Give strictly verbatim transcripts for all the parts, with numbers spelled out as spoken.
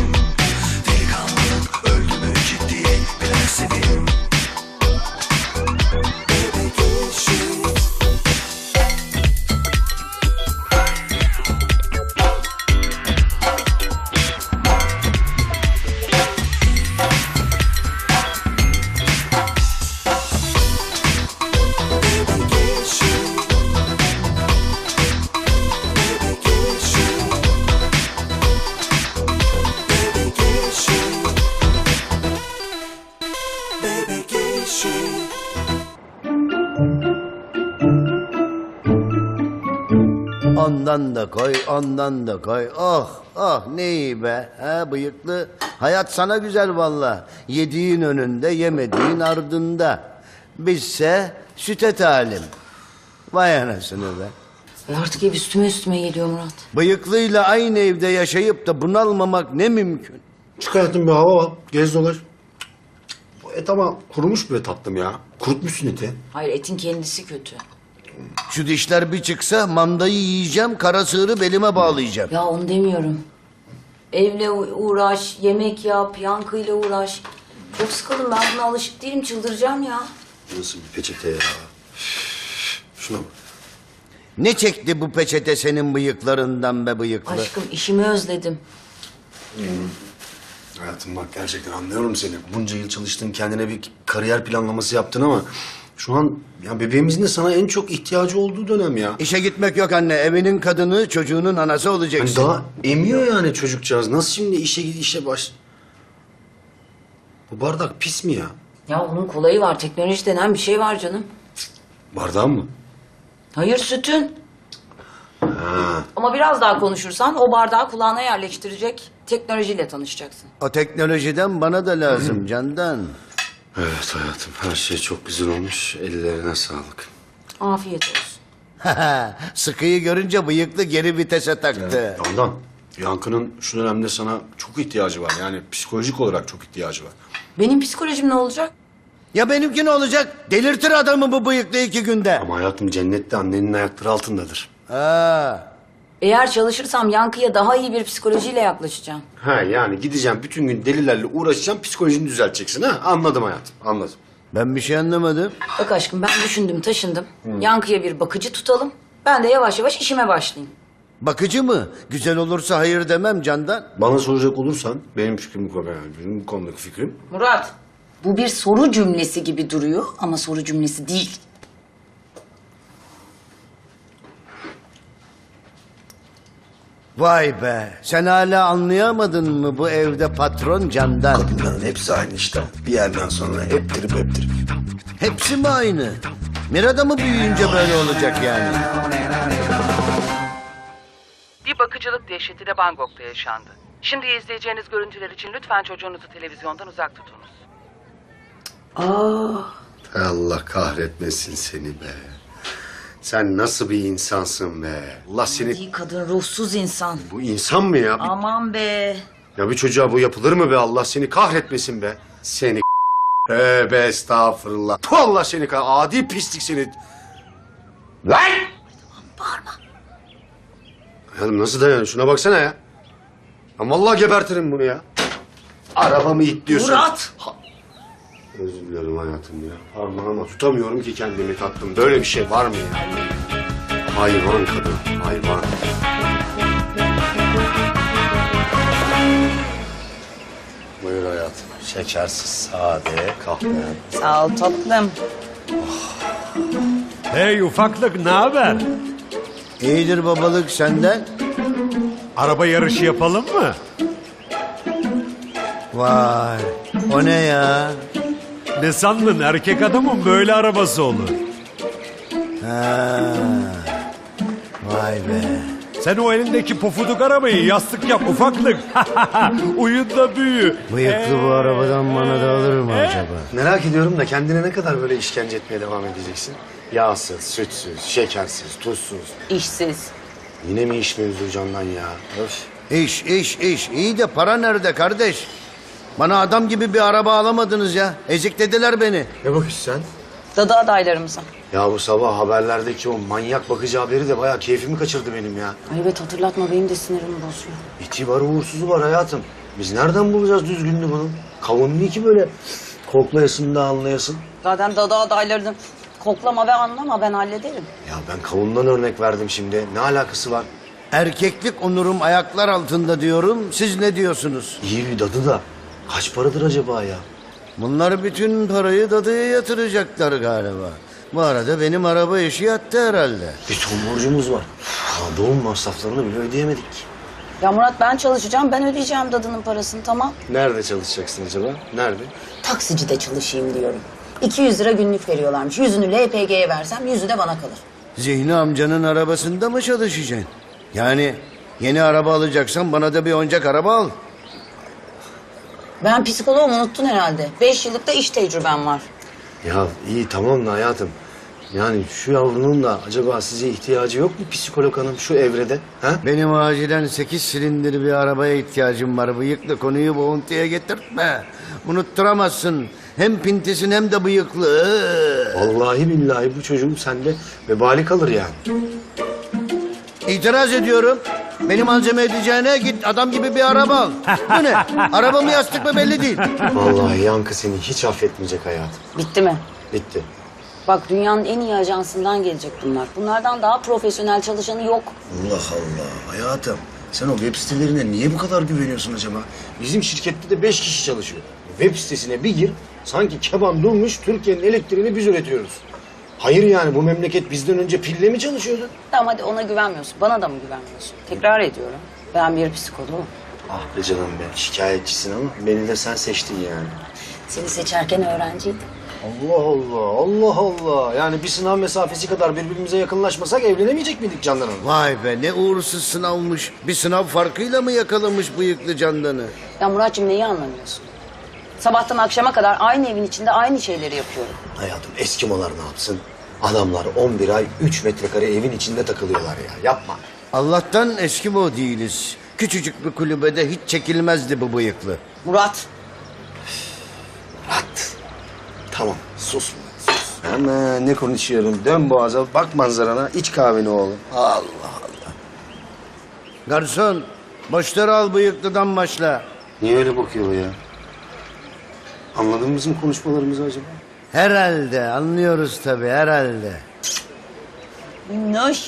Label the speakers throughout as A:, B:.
A: seveyim. Delikanlılık öldü mü ciddiye bilen seveyim. Baby geçin.
B: Ondan da koy, ondan da koy. Oh, oh ne iyi be. Ha bıyıklı. Hayat sana güzel valla. Yediğin önünde, yemediğin ardında. Bizse süte talim. Vay anasını be.
C: E artık ev üstüme üstüme geliyor Murat.
B: Bıyıklıyla aynı evde yaşayıp da bunalmamak ne mümkün.
D: Çık hayatım bir hava al. Gez dolaş. Bu et ama kurumuş be tatlım ya. Kurutmuşsun eti.
C: Hayır, etin kendisi kötü.
B: Şu dişler bir çıksa mandayı yiyeceğim, kara sığırı belime bağlayacağım.
C: Ya onu demiyorum. Evle uğraş, yemek yap, yankıyla uğraş. Çok sıkıldım, ben buna alışık değilim, çıldıracağım ya.
D: Nasıl bir peçete ya? Şuna bak.
B: Ne çekti bu peçete senin bıyıklarından be bıyıklı?
C: Aşkım, işimi özledim.
D: Hayatım bak gerçekten anlıyorum seni. Bunca yıl çalıştın, kendine bir kariyer planlaması yaptın ama... Şu an ya bebeğimizin de sana en çok ihtiyacı olduğu dönem ya.
B: İşe gitmek yok anne. Evinin kadını, çocuğunun anası olacaksın.
D: Hani daha emiyor yani çocukcağız. Nasıl şimdi işe git işe baş... Bu bardak pis mi ya?
C: Ya onun kolayı var, teknoloji denen bir şey var canım.
D: Bardağın mı?
C: Hayır, sütün.
D: Ha.
C: Ama biraz daha konuşursan o bardağı kulağına yerleştirecek teknolojiyle tanışacaksın.
B: O teknolojiden bana da lazım Candan.
D: Evet hayatım her şey çok güzel olmuş. Ellerine sağlık.
C: Afiyet olsun.
B: Sıkıyı görünce bıyıklı geri vitese taktı.
D: Ondan Yankı'nın şu dönemde sana çok ihtiyacı var. Yani psikolojik olarak çok ihtiyacı var.
C: Benim psikolojim ne olacak?
B: Ya benimki ne olacak? Delirtir adamı bu bıyıklı iki günde.
D: Ama hayatım cennette annenin ayakları altındadır.
B: Ha.
C: Eğer çalışırsam Yankı'ya daha iyi bir psikolojiyle yaklaşacağım.
D: Ha yani gideceğim bütün gün delilerle uğraşacağım psikolojini düzelteceksin ha. Anladım hayatım anladım.
B: Ben bir şey anlamadım.
C: Bak aşkım, ben düşündüm taşındım. Yankı'ya bir bakıcı tutalım. Ben de yavaş yavaş işime başlayayım.
B: Bakıcı mı? Güzel olursa hayır demem Candan.
D: Bana soracak olursan benim fikrim bu kadar. Yani benim bu konudaki fikrim.
C: Murat, bu bir soru cümlesi gibi duruyor ama soru cümlesi değil.
B: Vay be. Sen hala anlayamadın mı bu evde patron Candan?
D: Kadınların hepsi aynı işte. Bir yerden sonra hep trip hep trip.
B: Hepsi mi aynı? Mirada mı büyüyünce böyle olacak yani?
E: Bir bakıcılık dehşeti de Bangkok'ta yaşandı. Şimdi izleyeceğiniz görüntüler için lütfen çocuğunuzu televizyondan uzak tutunuz.
C: Aa,
D: Allah kahretmesin seni be. Sen nasıl bir insansın be? Allah seni...
C: iyi kadın, ruhsuz insan.
D: Bu insan mı ya? Bir-
C: Aman be.
D: Ya bir çocuğa bu yapılır mı be? Allah seni kahretmesin be. Seni Tövbe estağfurullah. Tu Allah seni kah... Adi pislik seni. Lan!
C: Bağırma.
D: Hayatım nasıl dayanıyor? Şuna baksana ya. Ya vallahi gebertirim bunu ya. Arabamı itliyorsun.
C: Murat!
D: Ha- Özür dilerim hayatım ya. Parmağıma tutamıyorum ki kendimi tatlım. Böyle bir şey var mı ya? Hayvan kadın, hayvan. Buyur hayatım. Şekersiz, sade, kahve.
C: Sağ ol tatlım.
F: Hey ufaklık, ne haber?
B: İyidir babalık senden.
F: Araba yarışı yapalım mı?
B: Vay. O ne ya?
F: Ne sandın, erkek adamın böyle arabası olur.
B: Ha. Vay be.
F: Sen o elindeki pofuduk arabayı yastık yap ufaklık. Uyun da büyü.
B: Bıyıklı bu arabadan bana da alır mı acaba?
D: Merak ediyorum da kendine ne kadar böyle işkence etmeye devam edeceksin? Yağsız, sütsüz, şekersiz, tuzsuz.
C: İşsiz.
D: Yine mi iş mevzu Candan ya? Öf.
B: İş, iş, iş. İyi de para nerede kardeş? Bana adam gibi bir araba alamadınız ya. Eziklediler beni.
D: Ne bakıyorsun sen?
C: Dadı adaylarımıza.
D: Ya bu sabah haberlerdeki o manyak bakıcı haberi de bayağı keyfimi kaçırdı benim ya.
C: Ay evet, hatırlatma, benim de sinirimi bozuyor.
D: İti var uğursuzu var hayatım. Biz nereden bulacağız düzgünlüğü bunun? Kavun niye ki böyle koklayasın da anlayasın?
C: Zaten dadı adaylarını koklama ve anlama, ben hallederim.
D: Ya ben kavundan örnek verdim şimdi. Ne alakası var?
B: Erkeklik onurum ayaklar altında diyorum. Siz ne diyorsunuz?
D: İyi bir dadı da kaç paradır acaba ya?
B: Bunlar bütün parayı dadıya yatıracaklar galiba. Bu arada benim araba işi yattı herhalde.
D: Bir ton borcumuz var. Ya doğum masraflarını bile ödeyemedik.
C: Ya Murat, ben çalışacağım, ben ödeyeceğim dadının parasını, tamam.
D: Nerede çalışacaksın acaba? Nerede?
C: Taksicide çalışayım diyorum. iki yüz lira günlük veriyorlarmış. Yüzünü L P G'ye versem yüzü de bana kalır.
B: Zihni amcanın arabasında mı çalışacaksın? Yani yeni araba alacaksan bana da bir oyuncak araba al.
C: Ben psikoloğum, unuttun herhalde. Beş yıllık da iş tecrübem var.
D: Ya iyi tamam da hayatım. Yani şu yavrunun da acaba size ihtiyacı yok mu psikolog hanım şu evrede? Ha?
B: Benim acilen sekiz silindir bir arabaya ihtiyacım var. Bıyıklı, konuyu boğuntuya getirtme. Unutturamazsın. Hem pintisin hem de bıyıklı.
D: Vallahi billahi bu çocuğum sende vebali kalır yani.
B: İtiraz ediyorum. Benim malzeme edeceğine git adam gibi bir araba al. Bu ne? Araba mı yastık mı belli değil.
D: Vallahi Yankı seni hiç affetmeyecek hayatım.
C: Bitti mi?
D: Bitti.
C: Bak, dünyanın en iyi ajansından gelecek bunlar. Bunlardan daha profesyonel çalışanı yok.
D: Allah Allah hayatım. Sen o web sitelerine niye bu kadar güveniyorsun acaba? Bizim şirkette de beş kişi çalışıyor. Web sitesine bir gir, sanki keban durmuş, Türkiye'nin elektriğini biz üretiyoruz. Hayır yani bu memleket bizden önce pille mi çalışıyordu?
C: Tamam, hadi ona güvenmiyorsun. Bana da mı güvenmiyorsun? Tekrar ediyorum. Ben bir psikoloğum.
D: Ah be canım be, şikayetçisin ama beni de sen seçtin yani.
C: Seni seçerken öğrenciydim.
D: Allah Allah, Allah Allah. Yani bir sınav mesafesi kadar birbirimize yakınlaşmasak evlenemeyecek miydik Candan Hanım?
B: Vay be ne uğursuz sınavmış. Bir sınav farkıyla mı yakalamış bıyıklı Candan'ı?
C: Ya Muratcığım, neyi anlamıyorsun? Sabahtan akşama kadar aynı evin içinde aynı şeyleri yapıyorum.
D: Hayatım Eskimolar ne yapsın? Adamlar on bir ay üç metrekare evin içinde takılıyorlar ya. Yapma.
B: Allah'tan Eskimo değiliz. Küçücük bir kulübede hiç çekilmezdi bu bıyıklı.
C: Murat,
D: Rahat. Tamam sus. Sus. Hemen ne konuşuyorum? Dön boğaza, bak manzarana, iç kahveni oğlum. Allah Allah.
B: Garson, boşları al bıyıklıdan başla.
D: Niye öyle bakıyor ya? Anladın mı bizim konuşmalarımızı acaba?
B: Herhalde anlıyoruz tabii herhalde.
C: minnoş.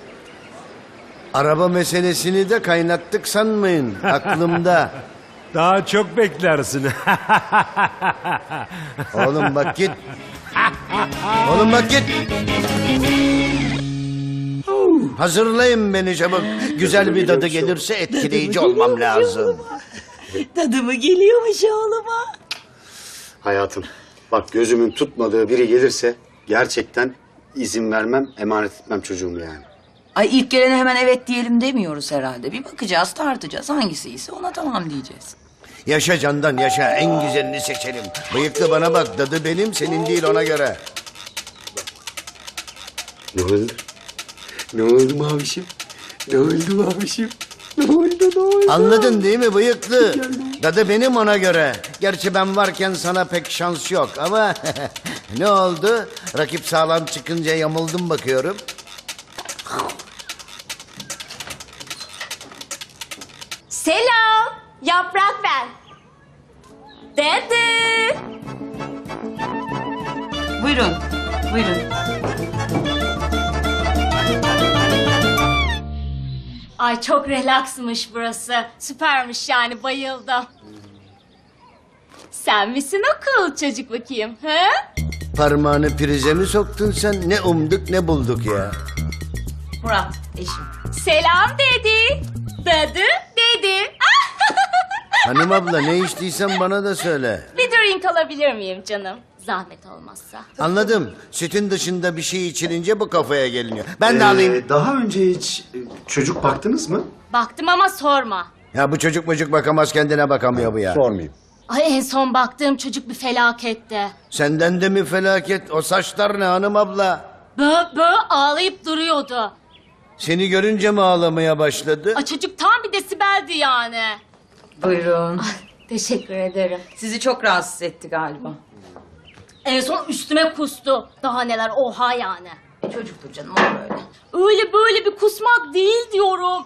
B: Araba meselesini de kaynattık sanmayın aklımda.
F: Daha çok beklersin.
B: Oğlum bak git. Oğlum bak git. Hazırlayın beni çabuk. Güzel bir dadı gelirse etkileyici olmam lazım.
C: Dadı mı geliyormuş oğluma?
D: Hayatım, bak gözümün tutmadığı biri gelirse gerçekten izin vermem, emanet etmem çocuğumu yani.
C: Ay, ilk gelene hemen evet diyelim demiyoruz herhalde. Bir bakacağız, tartacağız. Hangisi iyiyse ona tamam diyeceğiz.
B: Yaşa Candan yaşa en güzelini seçelim. Bıyıklı bana bak dadı benim senin değil ona göre.
D: Ne oldu? Ne oldu mavişim? Ne oldu mavişim? Ne oldu, ne oldu?
B: Anladın değil mi bıyıklı? Dadı benim ona göre. Gerçi ben varken sana pek şans yok ama ne oldu? Rakip sağlam çıkınca yamuldum bakıyorum.
G: Selam, Yaprak ben. Dede.
C: Buyurun, buyurun.
G: Ay çok relaksmış burası. Süpermiş yani, bayıldım. Sen misin o cool çocuk bakayım, he?
B: Parmağını prize mi soktun sen? Ne umduk ne bulduk ya.
C: Murat, eşim.
G: Selam dedi. Dadı dedi.
B: Hanım abla ne içtiysen bana da söyle.
G: Bir drink alabilir miyim canım? Zahmet olmazsa.
B: Anladım. Sütün dışında bir şey içilince bu kafaya geliniyor. Ben de alayım.
D: Ee, daha önce hiç e, çocuk baktınız mı?
G: Baktım ama sorma.
B: Ya bu çocuk mucuk bakamaz kendine bakamıyor bu ya.
D: Sormayayım.
G: Ay, en son baktığım çocuk bir felaketti.
B: Senden de mi felaket? O saçlar ne hanım abla?
G: Bö bö ağlayıp duruyordu.
B: Seni görünce mi ağlamaya başladı?
G: Ay, çocuk tam bir desibeldi yani.
C: Buyurun.
G: Teşekkür ederim.
C: Sizi çok rahatsız etti galiba.
G: En son üstüme kustu. Daha neler, oha yani.
C: Çocuktur canım, o böyle.
G: Öyle böyle bir kusmak değil diyorum. Bö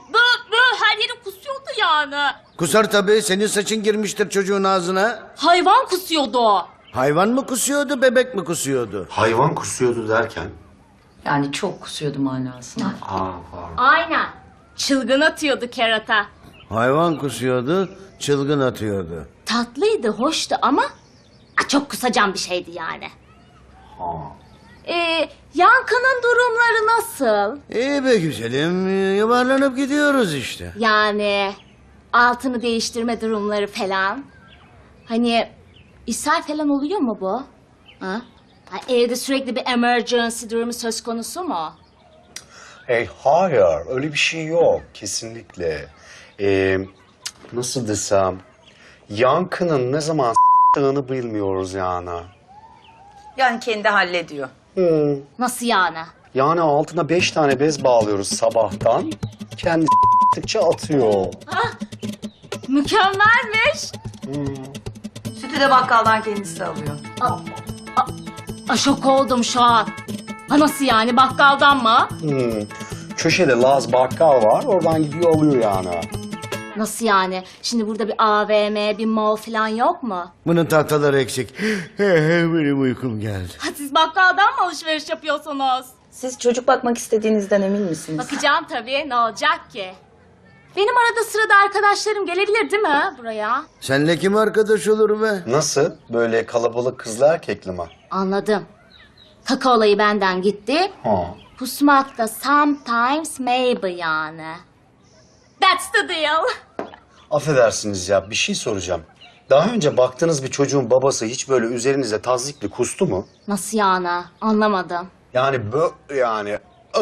G: Böyle her yeri kusuyordu yani.
B: Kusar tabii. Senin saçın girmiştir çocuğun ağzına.
G: Hayvan kusuyordu o.
B: Hayvan mı kusuyordu, bebek mi kusuyordu?
D: Hayvan kusuyordu derken?
C: Yani çok kusuyordu manasında.
D: Aa, pardon.
G: Aynen. Çılgın atıyordu kerata.
B: Hayvan kusuyordu, çılgın atıyordu.
G: Tatlıydı, hoştu ama a, çok kusacağım bir şeydi yani.
D: Ha.
G: Ee, Yankı'nın durumları nasıl?
B: İyi be güzelim, yuvarlanıp gidiyoruz işte.
G: Yani altını değiştirme durumları falan. Hani ishal falan oluyor mu bu? Ha? Ha, evde sürekli bir emergency durumu söz konusu mu?
H: Hey, hayır, öyle bir şey yok kesinlikle. Ee, nasıl desem, Yankı'nın ne zaman s**tığını bilmiyoruz yani.
C: Yani kendi hallediyor.
H: Hmm.
G: Nasıl yani?
H: Yani altına beş tane bez bağlıyoruz sabahtan. Kendi s**tıkça atıyor.
G: Mükemmelmiş.
C: Sütü de bakkaldan kendisi alıyor.
G: A, şok oldum şu an. Ha, nasıl yani, bakkaldan mı?
H: Hmm. Köşede Laz bakkal var, oradan gidiyor alıyor yani.
G: Nasıl yani? Şimdi burada bir A V M, bir mall falan yok mu?
B: Bunun tahtaları eksik. Benim uykum geldi.
G: Ha, siz bakkaldan mı alışveriş yapıyorsunuz?
C: Siz çocuk bakmak istediğinizden emin misiniz?
G: Bakacağım tabii, ne olacak ki? Benim arada sırada arkadaşlarım gelebilir değil mi buraya?
B: Senle kim arkadaş olur be?
H: Nasıl? Böyle kalabalık kızlı erkekli mi?
G: Anladım. Kaka olayı benden gitti.
H: Ha.
G: Pusmak da sometimes maybe yani. That's the deal.
H: Affedersiniz ya, bir şey soracağım. Daha önce baktığınız bir çocuğun babası hiç böyle üzerinize tazikli kustu mu?
G: Nasıl yani? Anlamadım.
H: Yani bö yani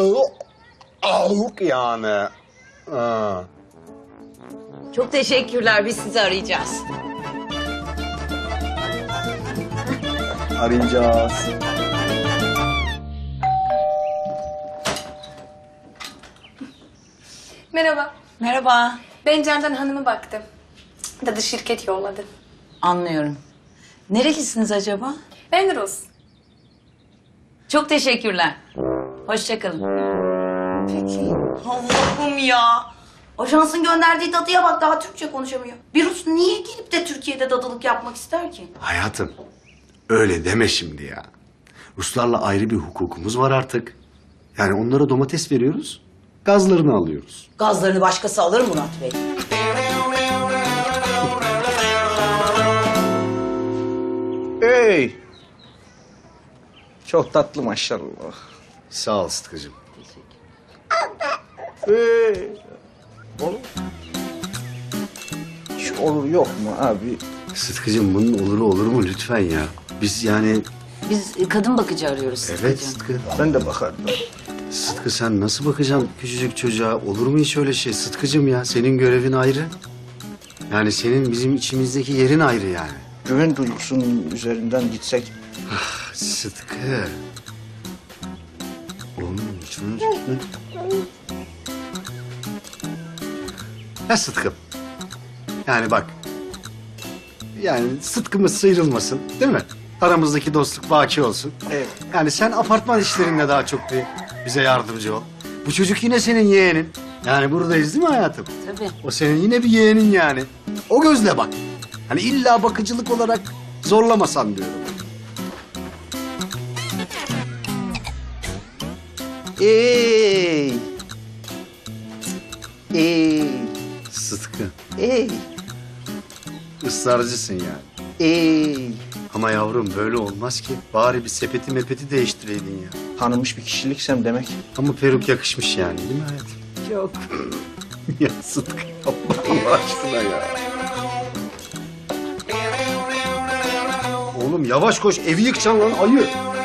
H: avuk yani. Ha.
C: Çok teşekkürler. Biz sizi arayacağız.
H: Arayacağız.
I: Merhaba.
C: Merhaba.
I: Ben Candan Hanım'a baktım. Dadı şirket yolladı.
C: Anlıyorum. Nerelisiniz acaba?
I: Ben Rus.
C: Çok teşekkürler. Hoşçakalın.
I: Peki.
C: Allah'ım ya. Ajansın gönderdiği dadıya bak, daha Türkçe konuşamıyor. Bir Rus niye gelip de Türkiye'de dadılık yapmak ister ki?
D: Hayatım, öyle deme şimdi ya. Ruslarla ayrı bir hukukumuz var artık. Yani onlara domates veriyoruz, gazlarını alıyoruz.
C: Gazlarını başkası alır Murat Bey.
J: Hey! Çok tatlı maşallah.
D: Sağ ol Sıtkı'cığım.
J: Hey! Oğlum. Hiç olur yok mu abi?
D: Sıtkı'cığım bunun oluru olur mu lütfen ya? Biz yani...
C: Biz e, kadın bakıcı arıyoruz.
D: Evet
C: Sıtkı'cığım.
D: Sıtkı.
J: Ben de bakardım.
D: Sıtkı sen nasıl bakacaksın küçücük çocuğa? Olur mu hiç öyle şey Sıtkı'cığım ya? Senin görevin ayrı. Yani senin bizim içimizdeki yerin ayrı yani.
J: Güven duygusunun üzerinden gitsek.
D: Sıtkı. Oğlum hiç öyle gitme. Ya Sıtkı. Yani bak. Yani Sıtkımız sıyrılmasın değil mi? Aramızdaki dostluk baki olsun.
J: Evet.
D: Yani sen apartman işlerinde daha çok bir bize yardımcı ol. Bu çocuk yine senin yeğenin. Yani buradayız değil mi hayatım?
C: Tabii.
D: O senin yine bir yeğenin yani. O gözle bak. Hani illa bakıcılık olarak zorlamasan diyorum.
J: Ey! Ey!
D: Sıtkı.
J: Ey!
D: Israrcısın yani.
J: Ey!
D: Ama yavrum böyle olmaz ki. Bari bir sepeti mepeti değiştireydin ya.
J: Tanınmış bir kişiliksem demek.
D: Ama peruk yakışmış yani değil mi hayatım?
J: Yok.
D: Ya Sıtkı yapma Allah aşkına ya. Oğlum yavaş koş evi yıkacaksın lan ayı.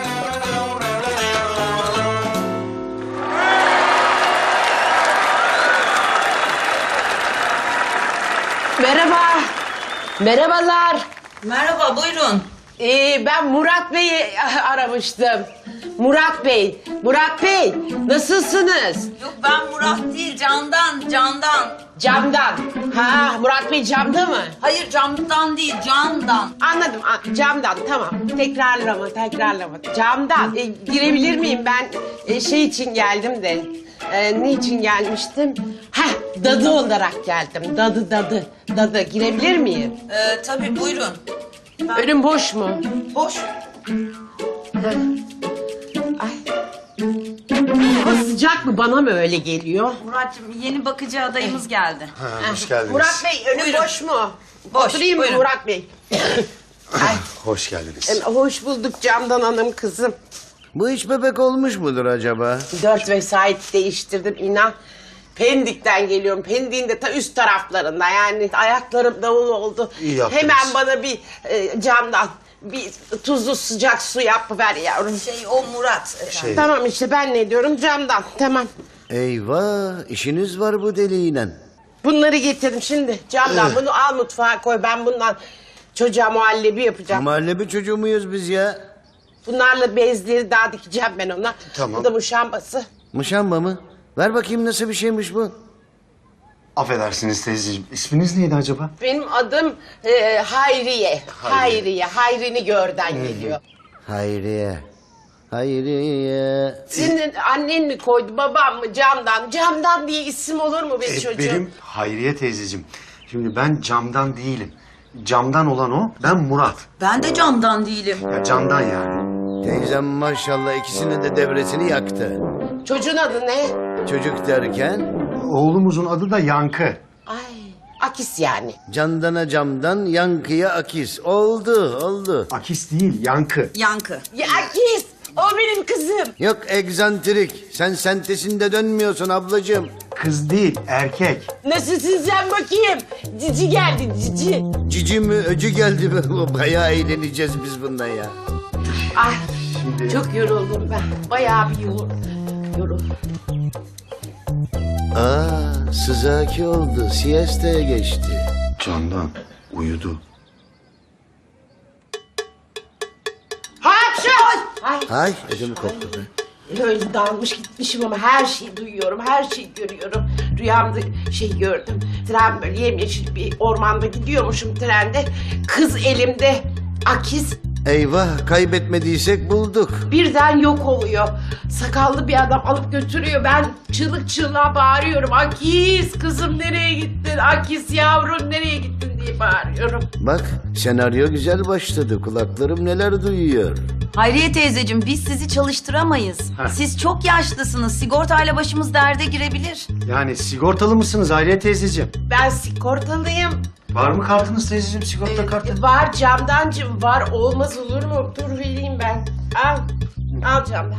K: Merhaba. Merhabalar.
C: Merhaba, buyurun.
K: Ee, ben Murat Bey'i aramıştım. Murat Bey. Murat Bey, nasılsınız?
C: Yok, ben Murat değil, Candan, Candan.
K: Camdan. Ha, Murat Bey camda mı?
C: Hayır, camdan değil, Candan.
K: Anladım. a- Camdan. Tamam. Tekrarlama, tekrarlama. Camdan. Ee, girebilir miyim? Ben e, şey için geldim de. Ee, niçin gelmiştim? Heh, dadı olarak geldim. Dadı dadı. Dadı girebilir miyim?
C: Ee, tabii buyurun.
K: Önüm boş mu?
C: Boş.
K: Ay. Hava sıcak mı? Bana mı öyle geliyor?
C: Murat'cığım yeni bakıcı adayımız geldi.
H: Ha, hoş geldiniz.
K: Murat Bey önüm
C: Buyurun.
K: boş mu?
C: Boş,
K: Oturayım mı
C: buyurun.
K: Murat Bey? Ay,
H: Hoş geldiniz.
K: em, hoş bulduk Candan Hanım kızım.
B: Bu iş bebek olmuş mudur acaba?
K: Dört vesait değiştirdim inan. Pendik'ten geliyorum. Pendik'in de ta üst taraflarında yani ayaklarım davul oldu.
H: İyi yaptınız.
K: Hemen bana bir e, camdan bir tuzlu sıcak su yapıver yavrum.
C: Şey o Murat.
H: Şey,
K: Tamam işte ben ne diyorum camdan tamam.
B: Eyvah, işiniz var bu deliğiyle.
K: Bunları getirdim şimdi camdan bunu al mutfağa koy ben bundan çocuğa muhallebi yapacağım.
B: Mahallebi çocuğu muyuz biz ya?
K: Bunlarla bezleri daha dikeceğim ben ona.
H: Tamam.
K: Bu da muşambası.
B: Mışamba mı? Ver bakayım nasıl bir şeymiş bu?
H: affedersiniz teyzeciğim. İsminiz neydi acaba?
K: Benim adım e, Hayriye. Hayriye. Hayrini görden geliyor.
B: Hayriye. Hayriye.
K: Senin annen mi koydu babam mı camdan? Camdan diye isim olur mu be
H: E,
K: çocuğum?
H: benim Hayriye teyzeciğim. Şimdi ben camdan değilim. Camdan olan o, ben Murat.
C: Ben de camdan değilim.
H: Ya camdan yani.
B: Teyzem maşallah ikisinin de devresini yaktı.
K: Çocuğun adı ne?
B: Çocuk derken
H: Oğlumuzun adı da Yankı.
K: Ay Akis yani.
B: candana camdan yankıya akis. Oldu oldu.
H: Akis değil, Yankı.
C: Yankı.
K: Ya Akis o benim kızım.
B: Yok egzantrik. Sen sentesinde dönmüyorsun ablacığım.
H: Kız değil, erkek.
K: Nasılsın sen bakayım? Cici geldi cici.
B: Cici mi öcü geldi mi? Bayağı eğleneceğiz biz bundan ya.
K: Ay çok yoruldum ben. Bayağı bir yorul. Yorul.
B: Aa sızaki oldu. Siesta'ya geçti.
H: Candan uyudu.
K: Hapşa! Ay
B: Ay ödümü koptu be.
K: öyle dalmış gitmişim ama her şeyi duyuyorum, her şeyi görüyorum. Rüyamda şey gördüm. Tren böyle yemyeşil bir ormanda gidiyormuşum trende. Kız elimde. Akis
B: Eyvah kaybetmediysek bulduk.
K: birden yok oluyor. Sakallı bir adam alıp götürüyor. Ben çığlık çığlığa bağırıyorum. Akis kızım nereye gittin? Akis yavrum nereye gittin diye bağırıyorum.
B: Bak senaryo güzel başladı. Kulaklarım neler duyuyor.
C: Hayriye teyzeciğim biz sizi çalıştıramayız. Siz çok yaşlısınız. Sigortayla başımız derde girebilir.
H: Yani sigortalı mısınız Hayriye teyzeciğim?
K: Ben sigortalıyım.
H: Var mı kartınız teyzeciğim, sigorta kartı?
K: Var camdancım var. Olmaz olur mu? Dur vereyim ben. Al. Al camdan.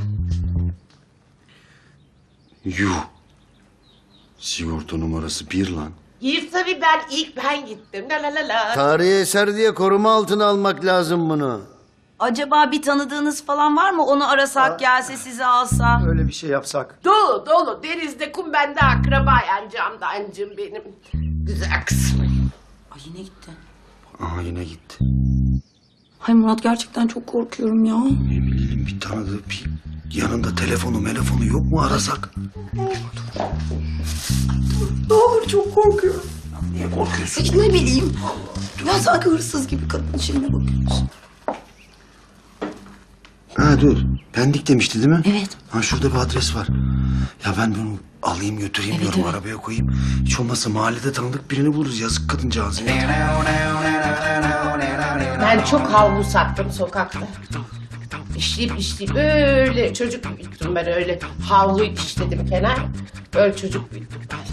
H: Yuh. Sigorta numarası bir lan.
K: Gir tabii ben ilk ben gittim. La la la la.
B: Tarihi eser diye koruma altına almak lazım bunu.
C: Acaba bir tanıdığınız falan var mı? Onu arasak gelse sizi alsa.
H: Öyle bir şey yapsak.
K: Dolu dolu. Denizde kum bende akraba yani camdancım benim. Güzel kızım.
C: Ay yine gitti.
H: Aha yine gitti.
C: Hay Murat gerçekten çok korkuyorum ya.
H: Ne bileyim bir tanıdığı bir yanında telefonu telefonu yok mu arasak?
C: Ne olur çok korkuyorum.
H: Niye korkuyorsun?
C: Hiç ne bileyim. Ya sanki hırsız gibi kadın içine bakıyoruz.
H: Ha dur. Pendik demişti değil mi?
C: Evet.
H: Ha şurada bir adres var. Ya ben bunu alayım götüreyim
C: Evet,
H: diyorum
C: evet.
H: arabaya koyayım. Hiç olmazsa mahallede tanıdık birini buluruz. Yazık kadıncağız ya.
K: Ben çok havlu sattım sokakta. İşleyip işleyip böyle çocuk büyüttüm ben öyle. Havlu işledim kenar. Öyle çocuk büyüttüm ben.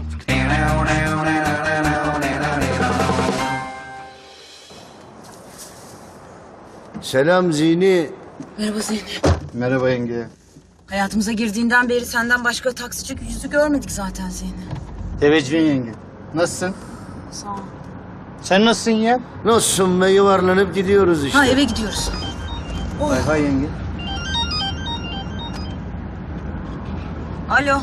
B: Selam Zini.
C: Merhaba Zeynep.
J: Merhaba yenge.
C: Hayatımıza girdiğinden beri senden başka taksici yüzü görmedik zaten Zeynep.
J: Teveccühün yenge. Nasılsın?
C: Sağ ol.
J: Sen nasılsın ya?
B: Nasılsın ve yuvarlanıp gidiyoruz işte.
C: Ha eve gidiyoruz.
J: Hay hay yenge.
C: Alo.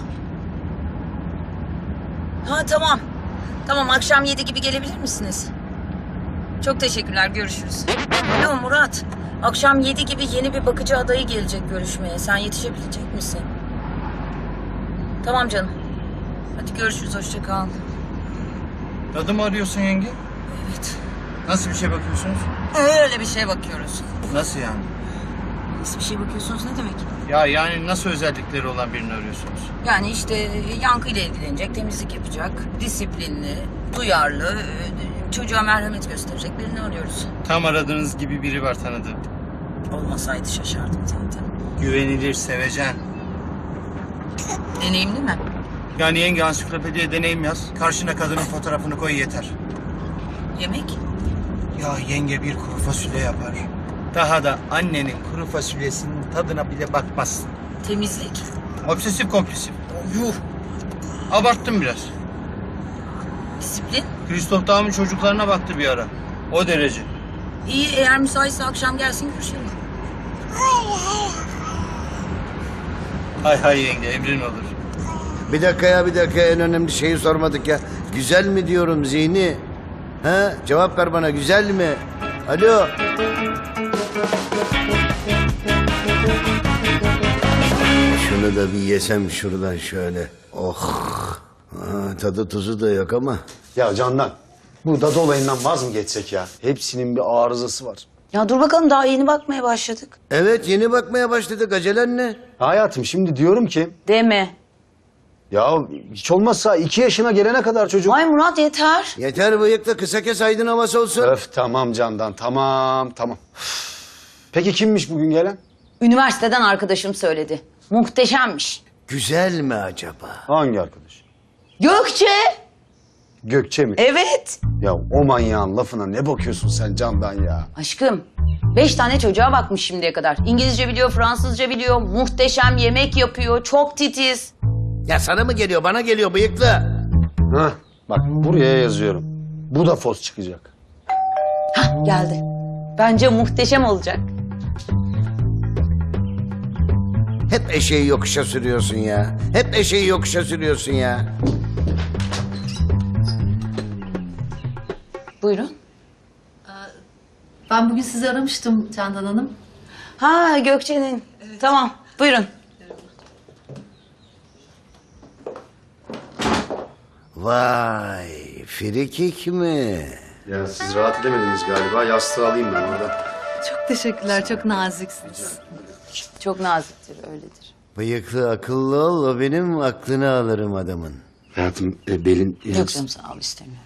C: Ha tamam. Tamam akşam yedi gibi gelebilir misiniz? Çok teşekkürler görüşürüz. Alo Murat. Akşam yedi gibi yeni bir bakıcı adayı gelecek görüşmeye. Sen yetişebilecek misin? Tamam canım. Hadi görüşürüz hoşça kal.
J: Dadı mı arıyorsun yenge?
C: Evet.
J: Nasıl bir şey bakıyorsunuz?
C: Öyle bir şey bakıyoruz.
J: Nasıl yani?
C: Nasıl bir şey bakıyorsunuz ne demek?
J: Ya yani nasıl özellikleri olan birini arıyorsunuz?
C: Yani işte yankıyla ilgilenecek, temizlik yapacak, disiplinli, duyarlı, e, çocuğa merhamet gösterecek birini arıyoruz.
J: Tam aradığınız gibi biri var tanıdığım.
C: Olmasaydı şaşardım zaten.
J: Güvenilir, sevecen.
C: Deneyimli mi?
J: Yani yenge ansiklopediye deneyim yaz. Karşına kadının fotoğrafını koy yeter.
C: Yemek?
J: Ya yenge bir kuru fasulye yapar. Daha da annenin kuru fasulyesinin tadına bile bakmazsın.
C: Temizlik?
J: Obsesif kompulsif. Yuh. Abarttım biraz.
C: Disiplin?
J: Kristof Dağ'ın çocuklarına baktı bir ara. O derece.
C: İyi, eğer müsaitse akşam gelsin görüşelim.
J: Hay hay yenge emrin olur.
B: Bir dakika ya bir dakika en önemli şeyi sormadık ya. Güzel mi diyorum Zihni? Ha? Cevap ver bana güzel mi? Alo. Şunu da bir yesem şuradan şöyle. Oh. Ha, tadı tuzu da yok ama.
H: Ya Candan, bu dadı olayından vaz mı geçsek ya? Hepsinin bir arızası var.
C: Ya dur bakalım, daha yeni bakmaya başladık.
B: Evet yeni bakmaya başladık. Acelen ne?
H: Hayatım şimdi diyorum ki...
C: Deme.
H: Ya hiç olmazsa iki yaşına gelene kadar çocuk...
C: Ay Murat yeter.
B: Yeter bıyıkla kısa kes aydın havası olsun.
H: Öf tamam Candan, tamam tamam. Peki kimmiş bugün gelen?
C: Üniversiteden arkadaşım söyledi. Muhteşemmiş.
B: Güzel mi acaba?
H: Hangi arkadaş?
C: Gökçe.
H: Gökçe mi?
C: Evet.
H: Ya o manyağın lafına ne bakıyorsun sen Candan ya?
C: Aşkım, beş tane çocuğa bakmış şimdiye kadar. İngilizce biliyor, Fransızca biliyor, muhteşem yemek yapıyor, çok titiz.
B: Ya sana mı geliyor bana geliyor bıyıklı.
H: Hah, bak buraya yazıyorum. Bu da fos çıkacak.
C: Hah, geldi. Bence muhteşem olacak.
B: Hep eşeği yokuşa sürüyorsun ya. Hep eşeği yokuşa sürüyorsun ya.
C: Buyurun.
L: Ben bugün sizi aramıştım Candan Hanım.
C: Ha, Gökçe'nin. Tamam, buyurun.
B: Vay, frikik mi?
H: Ya siz rahat edemediniz galiba. Yastığı alayım ben oradan.
L: Çok teşekkürler, çok naziksiniz.
C: Çok naziktir, öyledir.
B: Bıyıklı akıllı ol, o benim aklını alırım adamın.
H: Hayatım e, belin...
C: Yok canım, sağ ol, istemiyorum.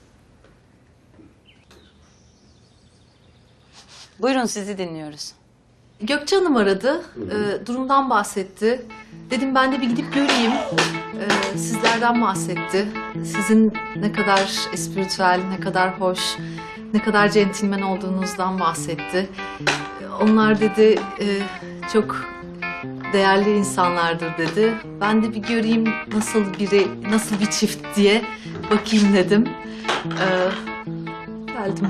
C: Buyurun, sizi dinliyoruz.
L: Gökçe Hanım aradı, e, durumdan bahsetti. Dedim ben de bir gidip göreyim. E, sizlerden bahsetti. Sizin ne kadar espiritüel, ne kadar hoş, ne kadar centilmen olduğunuzdan bahsetti. E, onlar dedi e, çok değerli insanlardır dedi. Ben de bir göreyim nasıl biri, nasıl bir çift diye bakayım dedim. E, geldim.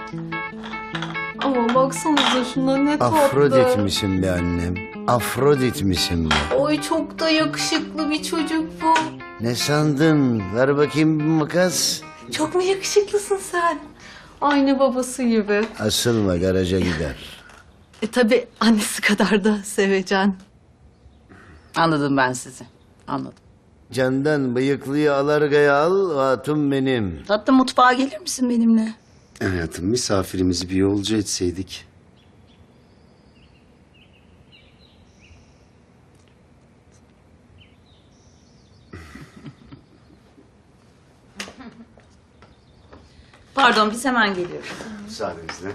L: Ama baksanıza şuna ne tatlı.
B: Afrodit misin be annem? Afrodit misin be?
L: Oy çok da yakışıklı bir çocuk bu.
B: Ne sandın? Ver bakayım bir makas.
L: Çok mu yakışıklısın sen? Aynı babası gibi.
B: Asılma garaja gider.
L: E tabi annesi kadar da sevecen.
C: Anladım ben sizi, anladım.
B: Candan bıyıklıyı alargaya al, hatun benim.
C: Tatlım, mutfağa gelir misin benimle?
H: Hayatım misafirimizi bir yolcu etseydik.
C: Pardon, biz hemen geliyoruz.
H: Müsaadenizle.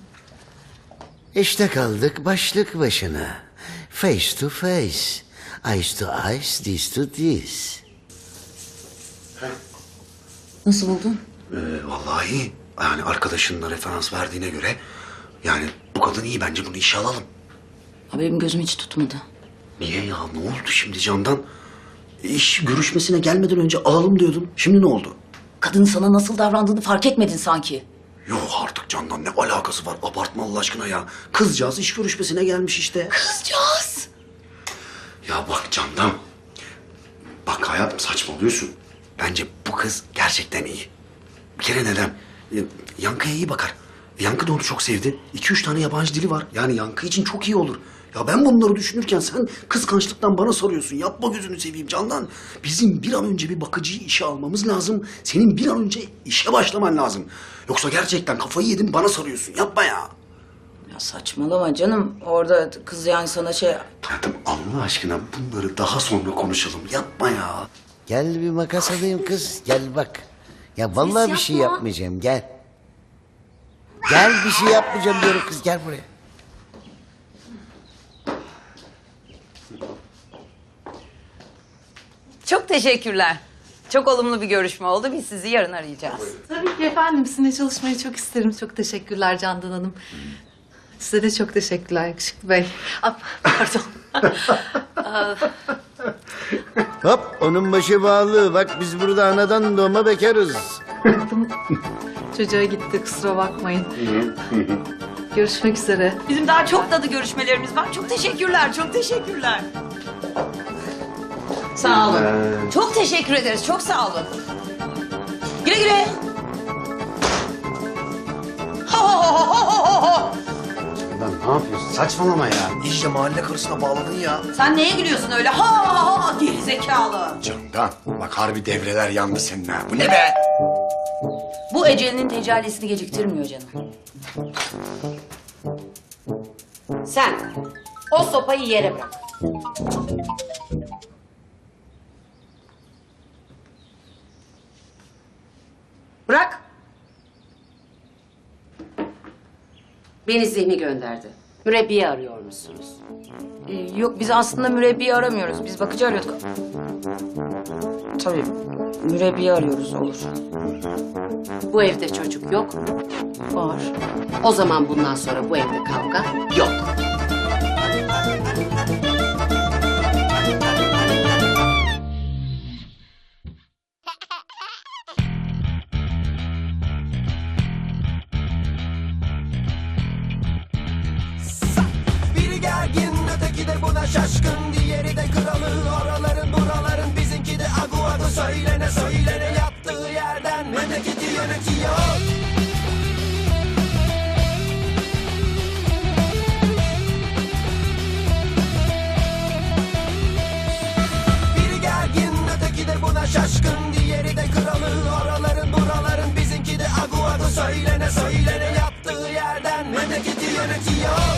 B: İşte kaldık başlık başına. Face to face. Eyes to eyes, this to this.
C: Nasıl buldun?
D: Ee, vallahi iyi. Yani arkadaşının da referans verdiğine göre... Yani bu kadın iyi, bence bunu işe alalım.
C: Ha, benim gözüm hiç tutmadı.
D: Niye ya? Ne oldu şimdi Candan? İş görüşmesine gelmeden önce alalım diyordun. Şimdi ne oldu?
C: Kadının sana nasıl davrandığını fark etmedin sanki.
D: Yok artık Candan, ne alakası var? Abartma Allah aşkına ya. Kızcağız iş görüşmesine gelmiş işte.
C: Kızcağız.
D: Ya bak Candan. Bak hayatım, saçmalıyorsun. Bence bu kız gerçekten iyi. Bir kere neden? E, Yankı'ya iyi bakar. Yankı da onu çok sevdi. İki üç tane yabancı dili var. Yani Yankı için çok iyi olur. Ya ben bunları düşünürken sen kıskançlıktan bana soruyorsun. Yapma gözünü seveyim Candan. Bizim bir an önce bir bakıcıyı işe almamız lazım. Senin bir an önce işe başlaman lazım. Yoksa gerçekten kafayı yedin bana soruyorsun. Yapma ya.
C: Ya Saçmalama canım. Orada kız yani sana şey...
D: Hayatım Allah aşkına bunları daha sonra konuşalım. Yapma ya.
B: Gel bir makas alayım kız. Gel bak. Ya vallahi
G: Ses
B: bir şey
G: yapma.
B: yapmayacağım. Gel. Gel bir şey yapmayacağım diyorum kız. Gel buraya.
C: Çok teşekkürler. Çok olumlu bir görüşme oldu. Biz sizi yarın arayacağız.
L: Tabii ki efendim. Sizinle çalışmayı çok isterim. Çok teşekkürler Candan Hanım. Size de çok teşekkürler Yakışıklı Bey. Ah, pardon.
B: Hop onun başı bağlı. Bak biz burada anadan doğma bekarız.
L: Çocuğa gitti, kusura bakmayın. Görüşmek üzere.
C: Bizim daha çok tadı görüşmelerimiz var. Çok teşekkürler, çok teşekkürler. Sağ olun. Çok teşekkür ederiz, çok sağ olun. Güle güle. Ho ho ho ho ho ho.
D: Lan ne yapıyorsun? Saçmalama ya. İyice mahalle karısına bağladın ya.
C: Sen neye gülüyorsun öyle? Ha ha ha geri zekalı.
D: Candan bak harbi devreler yandı senin ha. Bu ne be?
C: Bu ecelinin tecellisini geciktirmiyor canım. Sen o sopayı yere bırak. Bırak.
M: Beni Zihni gönderdi. Mürebbiye arıyor musunuz?
C: Ee, yok biz aslında mürebbiye aramıyoruz. Biz bakıcı arıyorduk. Tabii mürebbiye arıyoruz olur.
M: Bu evde çocuk yok mu?
C: Var.
M: O zaman bundan sonra bu evde kavga yok.
A: Biri gergin öteki de buna şaşkın. Diğeri de kralı oraların buraların. Bizimki de agu agu söylene söylene. Yattığı yerden memleketi yönetiyor. Biri gergin öteki de buna şaşkın. Diğeri de kralı oraların buraların. Bizimki de agu agu söylene söylene. Yattığı yerden memleketi yönetiyor.